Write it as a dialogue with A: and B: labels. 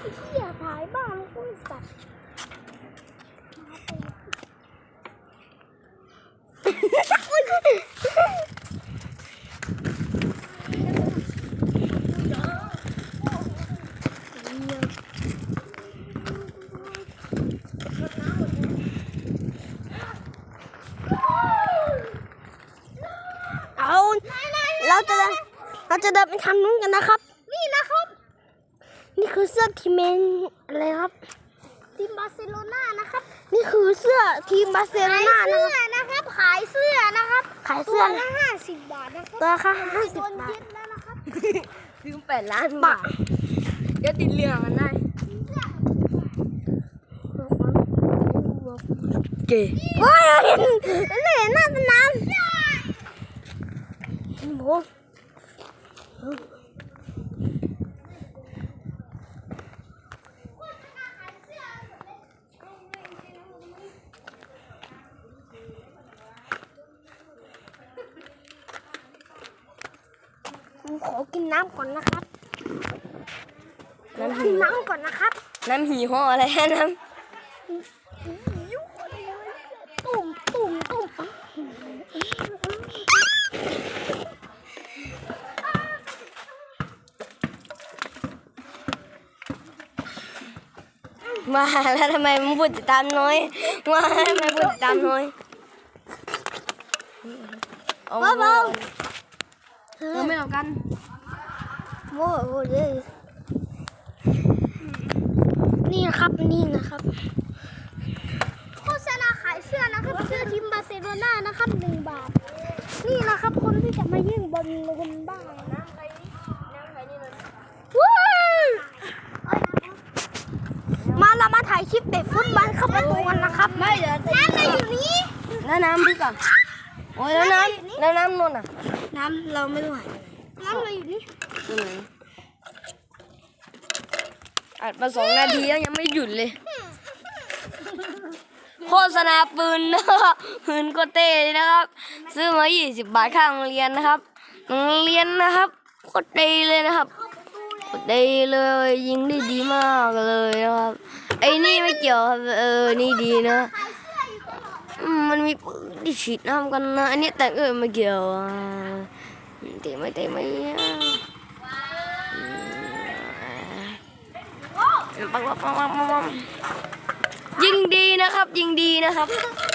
A: เหี้ยถ่ายบ้านกูสัตว์เราจะเดินไปทางนู้นกันนะครับนี่นะครับนี่คือเสื้อทีมเมนอะไรครับทีมบาร์เซโลนานะครับนี่คือเสื้อทีมบาร์เซโลนานะครับขายเสื้อนะครับขายเสื้อละ50 บาทนะครับตัวละ50 บาทแล้วนะครับซื้อ8 ล้านบาทเดี๋ยวติดเรื่องกันได้เก๋ว้ายเห็นหน้าสนามโอ้ขอกินน้ำก่อนนะครับกินน้ำก่อนนะครับ
B: น้ำหีห่ออะไรฮะน้ำ
A: ตุ่ม
B: มาแล้วทำไมมึงพูดติดตามน้อยมาทำไมพูดติดตามน้อย
A: เบา
B: เราไม่เอากัน
A: โว้ยนี่นะครับโฆษณาขายเสื้อนะครับเสื้อทีมบาร์เซโลนานะครับ1 บาทนี่นะครับคนที่จะมายื่นบนบ้านนะใครนี่ว้าวเรามาถ่ายคลิปเตะฟุตบอลเข้าประตูกันนะครับไม่เดี๋ยวน้ำอะไรอยู่นี่
B: น้ำพี่ก่อนโอ้ยแล้วน้ำนนอ่ะ
A: น้ำเราไม่ไหวน้ำอะไรอยู่นี่
B: อัดมา2 นาทีแล้วยังไม่หยุดเลยโฆษณาปืนนะครับปืนโคเต้นะครับซื้อมา20 บาทข้างโรงเรียนนะครับโรงเรียนนะครับโคตรดีเลยนะครับโคตรดีเลยยิงได้ดีมากเลยนะครับไอ้นี่ไม่เกี่ยวครับนี่ดีนะมันมีปืนที่ฉีดน้ำกันนะอันนี้แต่ไม่เกี่ยวเตะไม่ปังยิงดีนะครับ